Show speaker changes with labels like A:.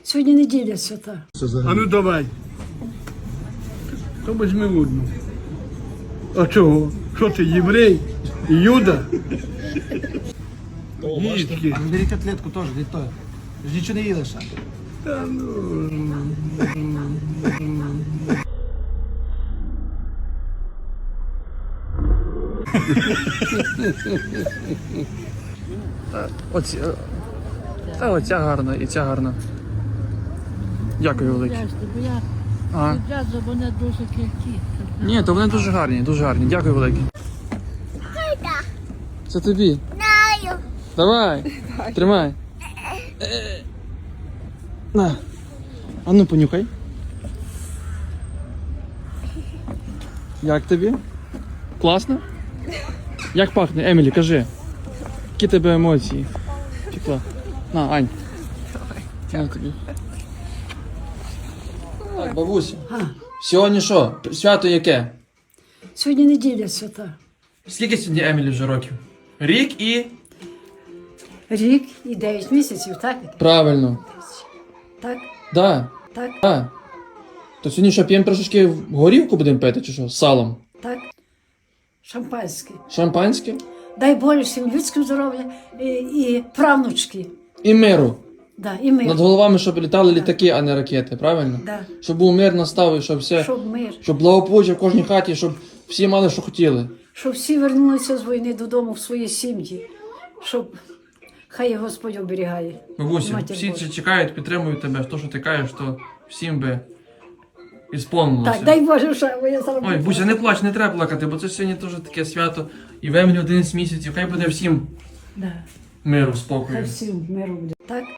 A: Сьогодні неділя свята.
B: А ну давай. То візьми одну. А чого? Що ти, єврей? Юда? Їдки.
C: Бери котлетку теж, від того. Ж нічого не їли ще.
B: Та ну.
D: Оці, та оця гарна і ця гарна. Дякую велике.
E: Бо я
D: Ага.
E: відразу вони дуже кількі.
D: Ні, то вони дуже гарні, дуже гарні. Дякую велике. Це тобі. Давай. Тримай. На. А ну понюхай. Як тобі? Класно? Як пахне, Емілі, кажи. Які тебе емоції? Тікла. На, Ань. На тобі. Так, бабуся. Сьогодні що? Свято яке?
A: Сьогодні неділя свята.
D: Скільки сьогодні Емілі вже років? Рік і...
A: Рік і 9 місяців, так?
D: Правильно.
A: Так,
D: Да.
A: так,
D: Да. То сьогодні що, п'ємо трошечки горівку будемо пити, чи що? З салом?
A: так. Шампанське.
D: Шампанське?
A: Дай Боже всім людським здоров'я і правнучки.
D: І миру.
A: Да, і мир.
D: Над головами, щоб літали літаки, а не ракети, правильно?
A: Да.
D: Щоб був мир настав і щоб все...
A: Щоб мир.
D: Щоб благополуччя в кожній хаті, щоб всі мали, що хотіли.
A: Щоб всі вернулися з війни додому в свої сім'ї. Щоб хай Господь оберігає.
D: Бабуся,
A: Матір
D: всі
A: Божа.
D: чекають, підтримують тебе. То, що ти кажеш, то всім би ісполнилося.
A: Так, дай Боже, що я зараз.
D: Ой, Буся, не плач, не треба плакати, бо це сьогодні теж таке свято. І в Емілі 11 місяців. Хай буде всім
A: Да.
D: миру,
A: Хай
D: спокою.
A: всім миру буде. Так?